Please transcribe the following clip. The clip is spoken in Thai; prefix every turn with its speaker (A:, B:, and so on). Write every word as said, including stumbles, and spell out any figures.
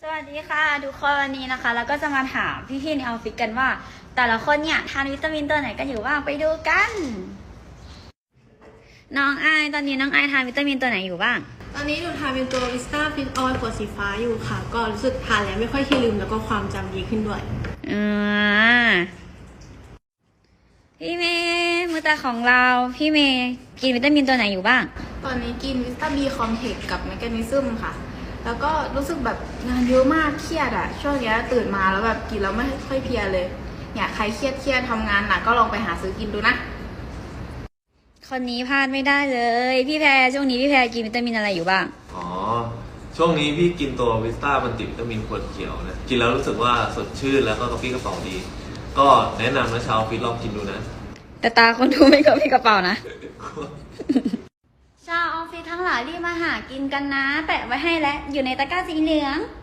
A: สวัสดีค่ะทุกคนวันนี้นะคะแล้วก็จะมาถามพี่ๆในออฟฟิศกันว่า แต่ละคนเนี่ยทานวิตามินตัวไหนกันอยู่บ้างไปดูกัน น้องไอตอนนี้น้องไอทานวิตามินตัวไหนอยู่บ้าง
B: ตอนนี้หนูทานเป็นตัววิสตาฟิตออยล์ขวดสีฟ้าอยู่ค่ะก็รู้สึกทานแล้วไม่ค่อยขี้ลืมแล้วก็ความจำดีขึ้นด้วย
A: อ่าพี่เมย์มือตาของเราพี่เมย์กินวิตามินตัวไหนอยู่บ้าง
C: ตอนนี้กินวิสตาบีคอมเพล็กซ์กับแมกนีซึมค่ะแล้วก็รู้สึกแบบงานเยอะมากเครียดอะช่วงนี้ตื่นมาแล้วแบบกินแล้วไม่ค่อยเพลียเลยเนี่ยใครเครียดเครียดทำงานหนักก็ลองไปหาซื้อกินดูนะ
A: คนนี้พลาดไม่ได้เลยพี่แพรช่วงนี้พี่แพรกินวิตามินอะไรอยู่บ้าง
D: อ๋อช่วงนี้พี่กินตัววิสต้ามัลติวิตามินขวดเขียวนะกินแล้วรู้สึกว่าสดชื่นแล้วก็กระปรี้กระเป๋าดีก็แนะนำนะชาวฟิตลองกินดูนะ
A: แต่ตาคนดูไม่กระปรี้กระเป๋านะชาวออฟฟิศทั้งหลายรีบมาหากินกันนะแปะไว้ให้แล้วอยู่ในตะกร้าสีเหลือง